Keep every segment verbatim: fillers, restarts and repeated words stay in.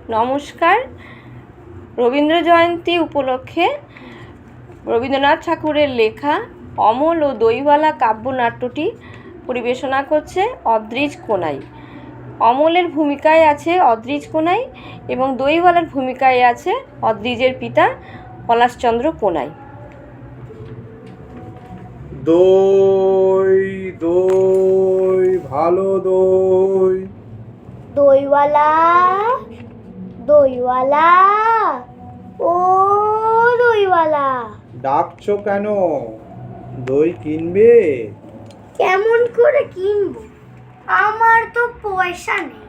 নমস্কার। রবীন্দ্র জয়ন্তী উপলক্ষে রবীন্দ্রনাথ ঠাকুরের লেখা অমল ও দইওয়ালা কাব্যনাট্যটি পরিবেশনা করছে অদ্রিজ কোনাই। অমলের ভূমিকায় আছে অদ্রিজ কোনাই এবং দইওয়ালার ভূমিকায় আছে অদ্রিজের পিতা পলাশচন্দ্র কোনাই। দই দই ভালো দই। দইওয়ালা দইওয়ালা ও দইওয়ালা, ডাকছো কেন? দই কিনবে? কেমন করে কিনবো? আমার তো পয়সা নেই।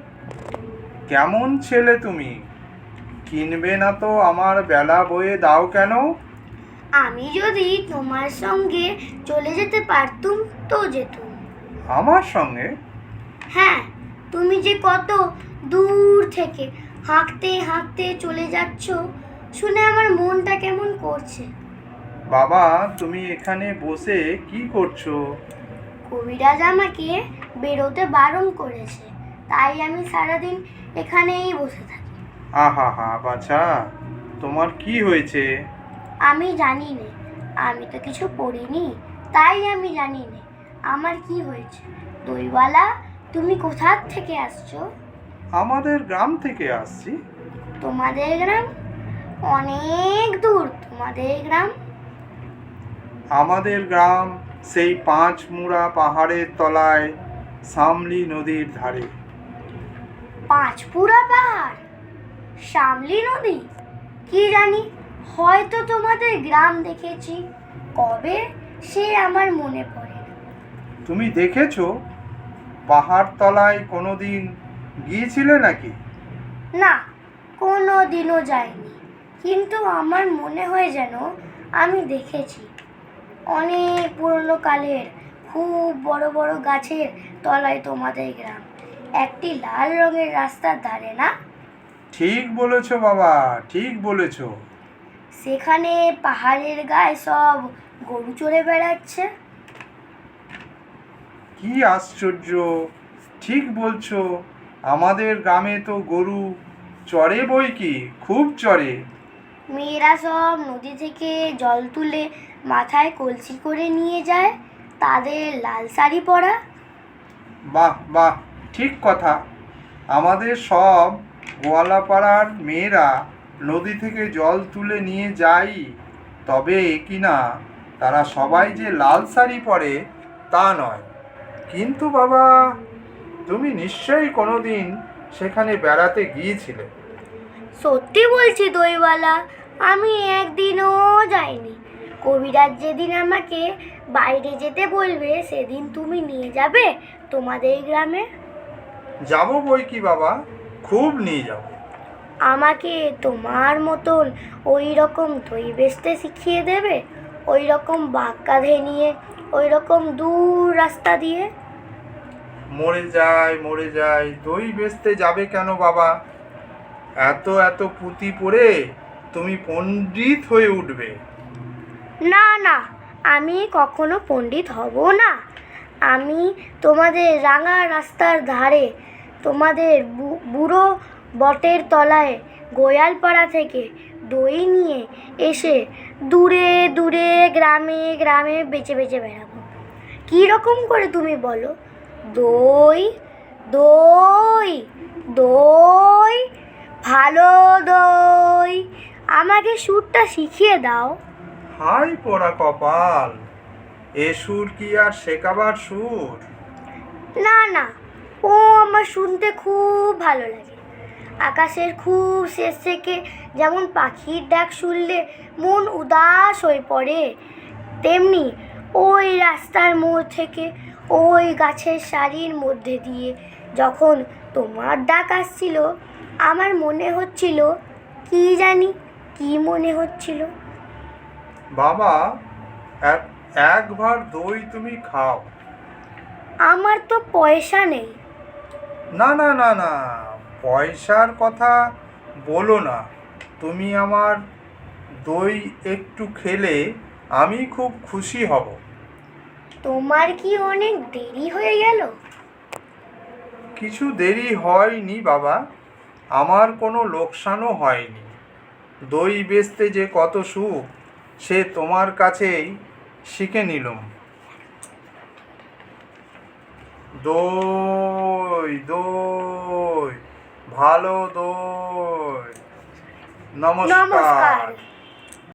কেমন ছেলে তুমি? কিনবে না তো আমার বেলা বয়ে দাও কেন? আমি যদি তোমার সঙ্গে চলে যেতে পারতুম তো যেতুম। আমার সঙ্গে? হ্যাঁ, তুমি যে কত দূর থেকে হাঁকতে হাঁকতে চলে যাচ্ছ শুনে আমার মনটা কেমন করছে। বাবা, তুমি এখানে বসে কি করছো? কবিরাজ আমাকে বেরোতে বারণ করেছে, তাই আমি সারাদিন এখানেই বসে থাকি। আহা হা বাছা, তোমার কি হয়েছে? আমি জানি না, আমি তো কিছু পড়িনি, তাই আমি জানি না আমার কি হয়েছে। দইওয়ালা, তুমি কোথা থেকে আসছো? আমাদের গ্রাম থেকে আসছি। তোমাদের গ্রাম? অনেক দূর তোমাদের গ্রাম। আমাদের গ্রাম সেই পাঁচ মুড়া পাহাড়ের তলায় সামলি নদীর ধারে। পাঁচপুরা পাহাড়, শামলি নদী, কি জানি, হয়তো তোমাদের গ্রাম দেখেছি, কবে সে আমার মনে পড়ে না। তুমি দেখেছো? পাহাড় তলায় কোনোদিন গিয়েছিলে নাকি? না, কোনো দিনও যাইনি, কিন্তু আমার মনে হয় যেন আমি দেখেছি। অনেক পুরনো কালের খুব বড় বড় গাছের তলায় তোমাদের গ্রাম, একটি লাল রঙের রাস্তার ধারে, না? ঠিক বলেছো বাবা, ঠিক বলেছো। সেখানে পাহাড়ের গায়ে সব গরু চড়ে বেড়াচ্ছে। কি আশ্চর্য, ঠিক বলছো। আমাদের গ্রামে তো গরু চড়ে বই কি, খুব চড়ে। মেয়েরা সব নদী থেকে জল তুলে মাথায় কলসি করে নিয়ে যায়, তাদের লাল শাড়ি পরা। বাহ বাহ, ঠিক কথা। আমাদের সব গোয়ালাপাড়ার মেয়েরা নদী থেকে জল তুলে নিয়ে যায়, তবে কি না তারা সবাই যে লাল শাড়ি পরে তা নয়। কিন্তু বাবা, তুমি নিশ্চয়ই কোনোদিন সেখানে বেড়াতে গিয়েছিলে। সত্যি বলছি দইওয়ালা, আমি একদিনও যাইনি। কবিরাজ যেদিন আমাকে বাইরে যেতে বলবে সেদিন তুমি নিয়ে যাবে তোমাদের গ্রামে। যাবো বই কি বাবা, খুব নিয়ে যাবো। আমাকে তোমার মতন ওই রকম দই বেচতে শিখিয়ে দেবে, ওই রকম বাঁক কাঁধে নিয়ে, ওই রকম দূর রাস্তা দিয়ে। মরে যায় মরে যায়, দই বেচতে যাবে কেন বাবা? এত এত পুঁথি পড়ে তুমি পণ্ডিত হয়ে উঠবে। না না, আমি কখনো পণ্ডিত হব না। আমি তোমাদের রাঙা রাস্তার ধারে, তোমাদের বুড়ো বটের তলায় গোয়ালপাড়া থেকে দই নিয়ে এসে দূরে দূরে গ্রামে গ্রামে বেচে বেচে বেড়াবো। কী রকম করে তুমি বলো? দই দই দই ভালো দই, আমাকে সুরটা শিখিয়ে দাও। হাই পোড়া কপাল, এ সুর কি আর শেখাবার সুর? না না, ও আমার শুনতে খুব ভালো লাগে। আকাশের খুব শেষ থেকে যেমন পাখির ডাক শুনলে মন উদাস হয়ে পড়ে, তেমনি ওই রাস্তার মোড় থেকে ওই গাছের সারির মধ্যে দিয়ে যখন তোমার ডাক আসছিল, আমার মনে হচ্ছিল, কি জানি কি মনে হচ্ছিল। বাবা, এক- একবার দই তুমি খাও। আমার তো পয়সা নেই। না না না না, পয়সার কথা বলো না। তুমি আমার দই একটু খেলে আমি খুব খুশি হব। তোমার কি অনেক দেরি হয়ে গেল? কিছু দেরি হয়নি বাবা। আমার কোনো লোকসানও হয়নি। দই বেচতে যে কত সুখ সে তোমার কাছেই শিখে নিলুম। দই দই ভালো দই। নমস্কার। নমস্কার।